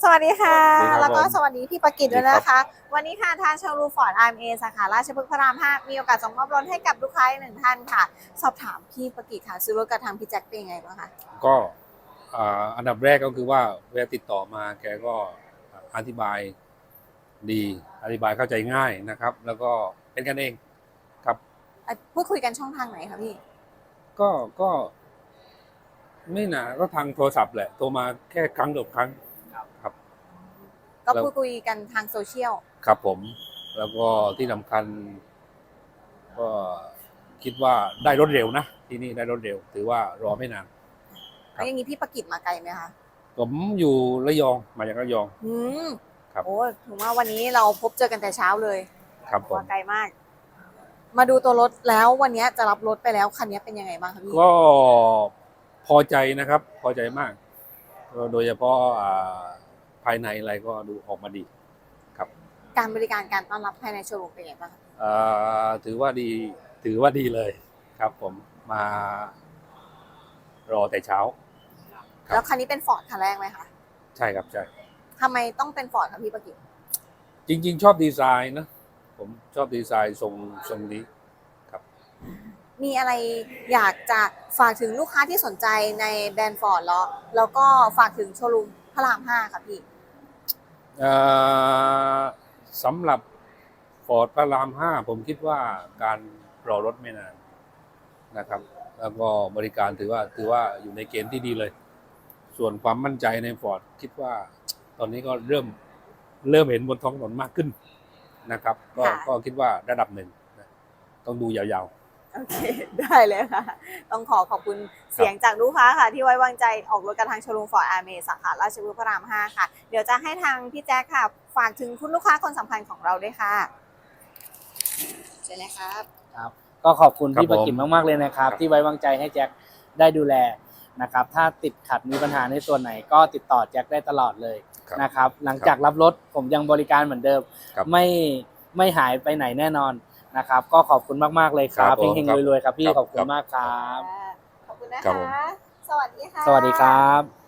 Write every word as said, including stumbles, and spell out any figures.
สวัสดีค่ะสวัสดีครับแล้วก็ผมสวัสดีพี่ประกิตด้วยสวัสดีนะครัคะบวันนี้ค่ะทางโชว์รูมฟอร์ด อาร์ เอ็ม เอ สาขาราชพฤกษ์พระรามห้ามีโอกาสส่งมอบรถให้กับลูกค้าอีกหนึ่งท่านค่ะ สอบถามพี่ประกิตค่ะซื้อรถกับทางพี่แจ็คเป็นยังไงบ้างคะก็อ่าอันดับแรกก็คือว่าเวลาติดต่อมาแกก็อธิบายดีอธิบายเข้าใจง่ายนะครับ แล้วก็เป็นกันเองครับอ่ะพูดคุยกันช่องทางไหนคะพี่ก็ก็ไม่นานก็ทางโทรศัพท์แหละโทรมาแค่ครั้งเดียวครั้งครับก็แล้วพูดคุยกันทางโซเชียลครับผม แล้วก็ที่สำคัญ ก็คิดว่าได้รถเร็วนะที่นี่ได้รถเร็ว ถือว่ารอไม่นาน ครัแล้บวอย่างนี้พี่ประกิตมาไกลไหมคะผมอยู่ระยองมาจากระยองอืมครับโอ้ถือว่าวันนี้เราพบเจอกันแต่เช้าเลยครับผมมาไกลมาก มาดูตัวรถแล้ววันนี้จะรับรถไปแล้วคันนี้เป็นยังไงบ้างคะพี่ก็พอใจนะครับ พอใจมากก็โดยเฉพาะอ่าภายในอะไรก็ดูออกมาดีครับการบริการการต้อนรับภายในโชว์รูมเป็นยังไงบ้างคะอ่าถือว่าดีถือว่าดีเลยครับ ผมมารอแต่เช้า ครับแล้วคันนี้เป็นฟอร์ดคันแรกไหมคะใช่ครับใช่ทำไมต้องเป็นฟอร์ดคะพี่ประกิตจริง ๆ ชอบดีไซน์นะผมชอบดีไซน์ทรงทรงนี้ครับมีอะไรอยากจะฝากถึงลูกค้าที่สนใจในแบรนด์ฟอร์ดแล้วแล้วก็ฝากถึงโชว์รูมพระรามห้าค่ะพี่เอ่อสำหรับฟอร์ดพระรามห้าผมคิดว่าการรอรถไม่นานนะครับ แล้วก็บริการถือว่าถือว่าอยู่ในเกณฑ์ที่ดีเลย ส่วนความมั่นใจในฟอร์ดคิดว่า ตอนนี้ก็เริ่มเริ่มเห็นบนท้องถนนมากขึ้นนะครับ ก็ค่ะก็คิดว่าระดับหนึ่งนะต้องดูยาวๆโอเค ได้เลยค่ะ ต้องขอขอบคุณเสียงจากลูกค้าค่ะ ที่ไว้วางใจออกรถกับทางโชว์รูมฟอร์ดอาร์เมสาขาราชพฤกษ์พระรามห้าค่ะ เดี๋ยวจะให้ทางพี่แจ๊คค่ะ ฝากถึงคุณลูกค้าคนสำคัญของเราด้วยค่ะเชิญเลยครับครับก็ขอบคุณครับพี่ประกิมผมมากๆเลยนะครับครับที่ไว้วางใจให้แจ็คได้ดูแลนะครับ ถ้าติดขัดมีปัญหาในส่วนไหนก็ติดต่อแจ็คได้ตลอดเลยครับนะครับ หลังจากรับรถผมยังบริการเหมือนเดิมครับไม่ไม่หายไปไหนแน่นอนนะครับ ก็ขอบคุณมากๆเลยครับครับผมเฮงครับๆรวยๆครับพี่ครับขอบคุครัณบมากครับขอบคุณนะครัคะบผมสวัสดีค่ะสวัสดีครับ